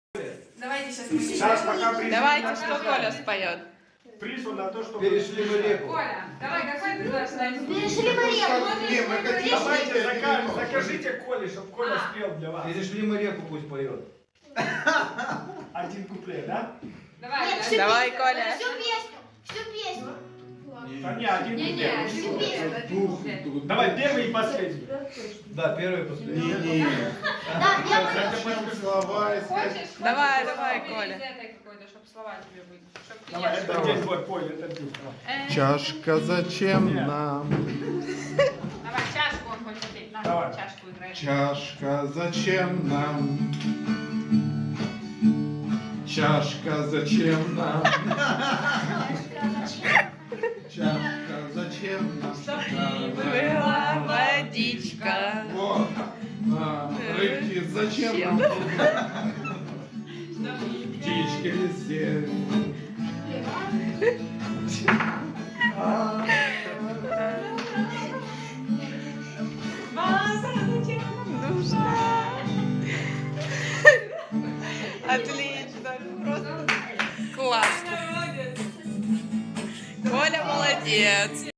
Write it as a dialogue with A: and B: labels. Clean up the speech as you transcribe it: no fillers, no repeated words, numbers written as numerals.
A: Давайте сейчас
B: Сейчас пока приз.
C: Давайте, что Коля споет?
B: Приз на то, что
D: Перешли мы реку.
A: Коля, давай, какой предложение?
E: Перешли мы реку.
D: Не, мы хотим.
B: Давайте закажите Коле, чтобы Коля спел для вас.
D: Перешли мы реку, пусть поет.
B: Один куплет, да?
A: Давай,
E: Нет,
A: да.
E: всю
C: Давай,
E: песню,
C: Коля.
E: Всю песню.
B: Да не, один
A: Не-не,
B: куплет.
A: один куплет, один куплет.
B: Давай первый и последний.
D: Да, первый и последний.
E: Да, я
D: Слова.
A: Хочешь?
C: Давай,
A: Хочешь?
C: давай,
A: Из
C: Коля.
A: этой какой-то, чтобы слова тебе были. Чтоб ты
B: Давай,
A: не
B: это
A: ошибался.
B: день твой, Поль, это ты.
F: Чашка зачем нам?
A: Давай, чашку он хочет петь. На,
B: Давай.
A: чашку играет.
F: Чашка зачем нам? Чашка зачем нам? Чашка зачем нам?
C: Чтоб не была водичка.
F: Вот. Рыбки зачем нам? Птички везде.
C: Ваза зачем нам нужна? Отлично, просто классно. Коля молодец.